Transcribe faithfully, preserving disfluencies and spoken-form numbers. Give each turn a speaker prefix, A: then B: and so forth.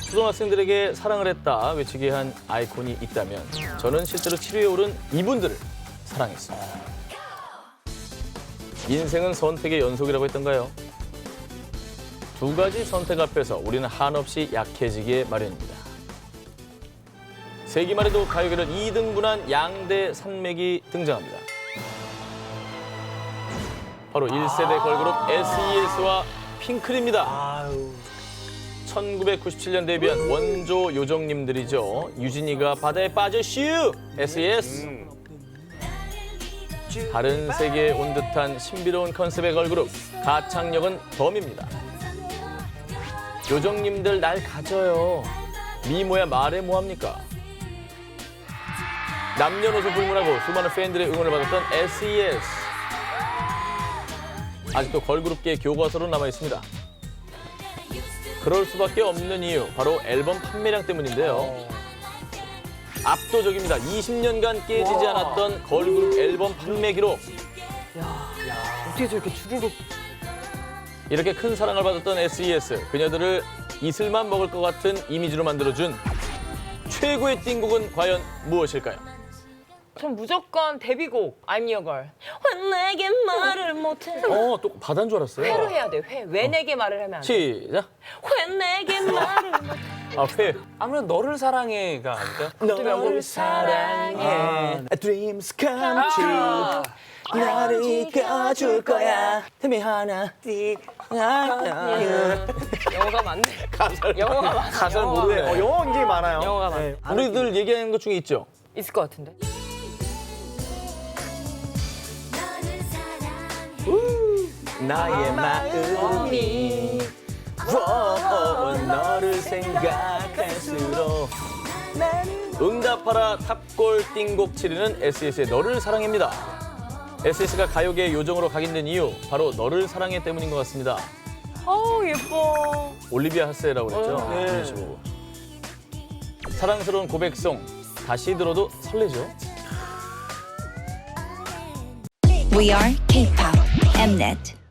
A: 초등학생들에게 사랑을 했다 외치게 한 아이콘이 있다면 저는 실제로 칠 위에 오른 이분들을 사랑했습니다. 인생은 선택의 연속이라고 했던가요? 두 가지 선택 앞에서 우리는 한없이 약해지기에 마련입니다. 세기말 에도 가요계를 이 등분한 양대 산맥이 등장합니다. 바로 일 세대 걸그룹 에스이에스와 핑클입니다. 천구백구십칠 년 데뷔한 원조 요정님들이죠. 유진이가 바다에 빠져 슈! 에스이에스. 다른 세계에 온 듯한 신비로운 컨셉의 걸그룹 가창력은 덤입니다. 요정님들 날 가져요. 미모야 말해 뭐합니까? 남녀노소 불문하고 수많은 팬들의 응원을 받았던 에스이에스. 아직도 걸그룹계의 교과서로 남아있습니다. 그럴 수밖에 없는 이유, 바로 앨범 판매량 때문인데요. 압도적입니다. 이십 년간 깨지지 않았던 걸그룹 앨범 판매 기록.
B: 어떻게 저렇게 주르륵.
A: 이렇게 큰 사랑을 받았던 에스이에스, 그녀들을 이슬만 먹을 것 같은 이미지로 만들어준 최고의 띵곡은 과연 무엇일까요?
B: 전 무조건 데뷔곡 I'm Your Girl. 왜 내게 말을 못해?
A: 어, 또 바다인 줄 알았어요.
B: 회로 해야 돼. 회. 왜 내게 말을 하면 안 돼?
A: 시작.
B: 왜 내게 말을 못해?
A: 아, 회.
C: 아무래도 너를 사랑해가 아닐까?
B: 너를 사랑해.
D: Dreams come true. 나를 이겨줄 거야. 틈이 하나.
B: 영어가 많네.
A: 가사를,
B: 영어가 많아.
A: 가사를
B: 영어가
A: 모르네.
D: 어, 영어 굉장히 많아요.
B: 영어가 많아.
D: 네.
A: 우리들 얘기하는 것 중에 있죠?
B: 있을 것 같은데.
D: 나의 마음이 워, 너를 생각할수록
A: 응답하라 탑골 띵곡 칠 위는 에스이에스의 너를 사랑해입니다. 에스이에스가 가요계의 요정으로 각인된 이유, 바로 너를 사랑해 때문인 것 같습니다.
B: 어우, 예뻐.
A: 올리비아 하세라고 그랬죠?
D: 어, 네.
A: 이미지 보고. 사랑스러운 고백송, 다시 들어도 설레죠?
E: We are K-pop Mnet.